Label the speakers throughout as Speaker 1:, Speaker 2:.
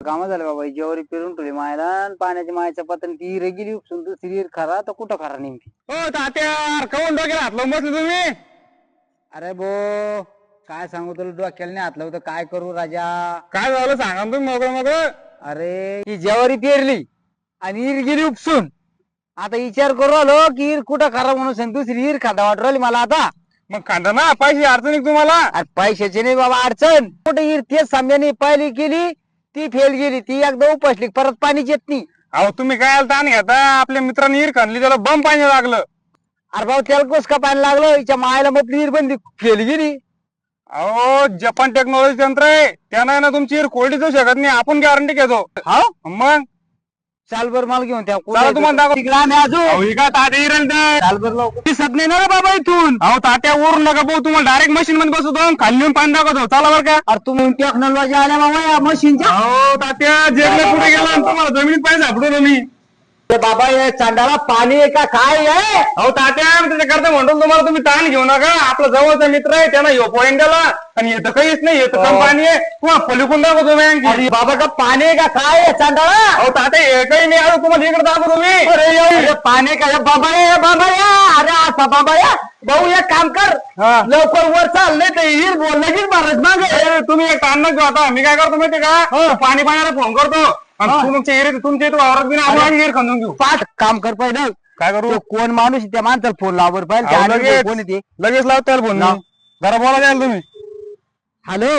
Speaker 1: काम झालं बाबा, जेवारी पेरून ठेवली मायला आणि पाण्याच्या मायच्या पातळी ती हिरे गेली उपसून दुसरी हिर खरा तर कुठं खरा नेमकी.
Speaker 2: हो तात्या कवून डोक्याला हात लावून बसले तुम्ही?
Speaker 1: अरे बो काय सांगू तुला, डोक्याला नाही हात लावतं, काय करू राजा.
Speaker 2: काय झालं सांगा ना तुम्ही मोकळं मोकळं.
Speaker 1: अरे ही जेवारी पेरली आणि हिर गेली उपसून. आता विचार करू आलो की हिर कुठं खरा म्हणून सांग, दुसरी हिर खादा वाटू राहिली मला आता.
Speaker 2: मग खांदा ना पैसे अडचणी तुम्हाला.
Speaker 1: अरे पैशाची नाही बाबा अडचण, कुठे हिर तेच सामन्याने पहिली केली ती फेल गेली, ती एकदा उपसली परत पाणीच येत नाही.
Speaker 2: अहो तुम्ही काय ताण घेता, आपल्या मित्रांनी हिर खाल्ली त्याला बम पाणी लागलं.
Speaker 1: अरे भाऊ त्याला कस का पाणी लागलं, हिच्या मायला मग हिर बंदी फेल गेली.
Speaker 2: अहो जपान टेक्नॉलॉजी यंत्र आहे, त्यानं ना तुमची हिर कोरडी जाऊ शकत नाही, आपण गॅरंटी घेतो.
Speaker 1: हा
Speaker 2: मग
Speaker 1: चाल बर मला घेऊन त्या
Speaker 2: चला तुम्हाला दाखव.
Speaker 1: तिकडे आम्ही अजून
Speaker 2: अहो ही काय तात्या हिर आणतात?
Speaker 1: चाल बर लवकर दिसत नाही ना रे बाबा इथून.
Speaker 2: अहो तात्या वरून नका भाऊ, तुम्हाला डायरेक्ट मशीन मध्ये बसवतो खाली येऊन पाणी दाखवतो. चला बरं का.
Speaker 1: अरे तुम्ही टेक्नॉलॉजी आल्या बाबा या मशीनच्या.
Speaker 2: अहो तात्या जगला कुठे गेला आणि तुम्हाला जमिनीत पाणी सापडवलं मी.
Speaker 1: बाबा या चांडाला पाणी आहे का काय आहे.
Speaker 2: अहो तात्या त्याच्याकरता म्हणतो तुम्हाला, तुम्ही ताण घेऊ नका, आपला जवळचा मित्र आहे त्यानं यो पॉईंट दिला आणि येतं काहीच नाही, येतं कम पाणी आहे, तुम्हाला पलिकून दाखवतो मी आणखी.
Speaker 1: अरे बाबा का पाणी आहे का काय आहे चांडाला.
Speaker 2: अहो तात्या हे काही नाही, अरे तुम्हाला इकडे दाखवतो मी.
Speaker 1: अरे पाणी का बाबा या बाबा या. अरे आता बाबा या भाऊ एक काम कर
Speaker 2: हा.
Speaker 1: लवकर वर चाल नाही तर हिर बोल लगेच महाराज मागे.
Speaker 2: ए, तुम्ही एक ताण नका घेऊ आता, मी काय करतो माहिती का, पाणी पाण्याला फोन करतो आणि तुमच्या एरिया तुमच्या इथे वावरात बी ना आपण हिर खंदून घेऊ.
Speaker 1: पाच काम कर पहिलं.
Speaker 2: काय करू?
Speaker 1: तो कोण माणूस आहे, त्या माणसाला फोन लावर पाहिजे.
Speaker 2: अहो, लगेच.
Speaker 1: कोण येते
Speaker 2: लगेच लावता येईल फोन. जरा बोला द्याल तुम्ही.
Speaker 1: हॅलो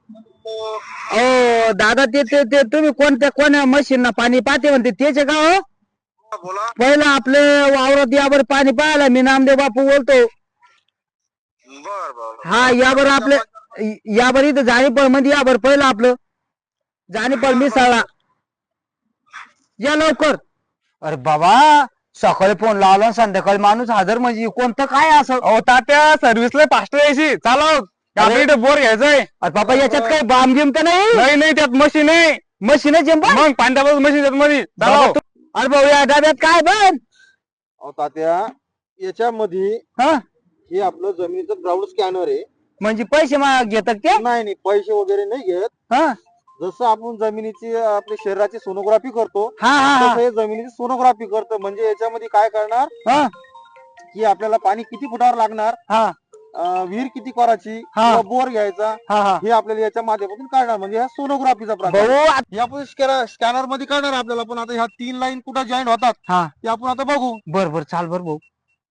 Speaker 1: ओ दादा ते तुम्ही कोण्या मशीन पाणी पाहते म्हणते तेच का हो.
Speaker 3: बोला.
Speaker 1: पहिलं आपलं वावरात यावर पाणी पाहायला मी नामदेव बापू बोलतो.
Speaker 3: बर बर.
Speaker 1: हा यावर आपलं यावर इथं जाणीपळ मध्ये यावर पहिलं आपलं जाणीपळ मिसळला या लवकर. अरे बाबा सकाळी फोन लावला संध्याकाळी माणूस हजर म्हणजे कोणतं काय असं.
Speaker 2: अहो तात्या सर्व्हिसला फास्ट यायची चालव. आपल्या इथे बोर घ्यायचंय.
Speaker 1: अरे बाबा याच्यात काही बाम गिम तर नाही.
Speaker 2: नाही नाही त्यात मशीन आहे.
Speaker 1: मशीनच
Speaker 2: मग पांढऱ्या मशीन त्यात मध्ये चालव.
Speaker 1: अरे भाऊ या डब्यात काय बन.
Speaker 3: अहो तात्या याच्यामध्ये
Speaker 1: हा
Speaker 3: हे आपलं जमिनीचं ग्राउंड स्कॅनर आहे.
Speaker 1: म्हणजे पैसे घेतात ते.
Speaker 3: नाही पैसे वगैरे नाही घेत.
Speaker 1: हा
Speaker 3: जसं आपण जमिनीची आपल्या शरीराची सोनोग्राफी करतो
Speaker 1: हा हा
Speaker 3: तसं हे जमिनीची सोनोग्राफी करतं. म्हणजे याच्यामध्ये काय करणार
Speaker 1: हा
Speaker 3: की आपल्याला पाणी किती फुटावर लागणार,
Speaker 1: हा
Speaker 3: विहीर किती करायची,
Speaker 1: हा.
Speaker 3: किंवा बोर घ्यायचा,
Speaker 1: हा हा
Speaker 3: हे आपल्याला याच्या माध्यमातून काढणार. म्हणजे हा सोनोग्राफीचा प्रकार.
Speaker 1: भाऊ
Speaker 3: हे आपण स्कॅनर मध्ये काढणार आपल्याला. पण आता ह्या 3 लाईन कुठं जॉईंट होतात
Speaker 1: हा
Speaker 3: ते आपण आता बघू.
Speaker 1: बर बर चाल बर भाऊ.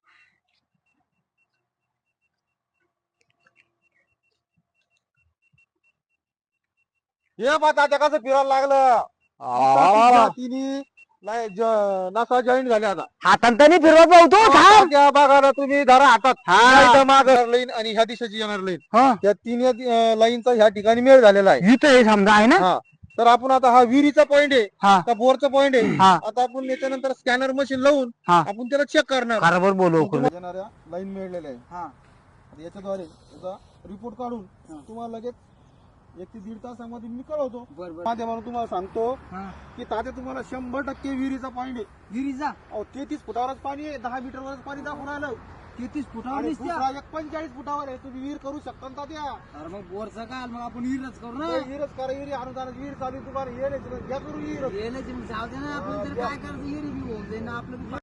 Speaker 3: हे पहा तात्या कसं फिरायला लागलं. तिन्ही नासा जॉईंट झाले आता.
Speaker 1: हातांनी फिरवत भाऊ तो थांब.
Speaker 3: तात्या बघा ना तुम्ही धरा हातात.
Speaker 1: हा.
Speaker 3: मागं लाईन आणि ह्या दिशेची येणार लाईन,
Speaker 1: हा
Speaker 3: त्या 3 लाईनचा ह्या ठिकाणी मेळ झालेला आहे.
Speaker 1: इथं हे समजा आहे ना.
Speaker 3: हा तर आपण आता हा विहिरीचा पॉइंट आहे,
Speaker 1: हा
Speaker 3: त्या बोरचा पॉइंट आहे.
Speaker 1: हा
Speaker 3: आता आपण याच्यानंतर स्कॅनर मशीन लावून
Speaker 1: हा
Speaker 3: आपण त्याला चेक करणार.
Speaker 1: बरोबर बोलू.
Speaker 3: येणाऱ्या लाईन मिळलेल्या आहे. आता याच्याद्वारे याचा रिपोर्ट काढून तुम्हाला लगेच 1 ते 1.5 तासामध्ये मी कळवतो. माध्यमातून तुम्हाला सांगतो की तात्या तुम्हाला 100% विहिरीचा पॉइंट आहे.
Speaker 1: विहिरीचा
Speaker 3: 33 फुटावरच पाणी आहे. 10 मीटरवरच पाणी दाखवून आलं.
Speaker 1: 33 फुटावर
Speaker 3: आणि
Speaker 1: दिसत्या.
Speaker 3: दुसरा 45 फुटावर आहे. तुम्ही विहीर करू शकता ना तात्या.
Speaker 1: अरे मग बोरचा काय मग आपण विहीरच करू ना.
Speaker 3: विहीरच करा. विहिरी अनुदानाची विहीर चालू आहे तुम्हाला. हे नाही घ्या करू विहीर.
Speaker 1: जाऊ दे ना आपण तर काय करायचं विहिरी बी होऊन जाईल ना आपलं.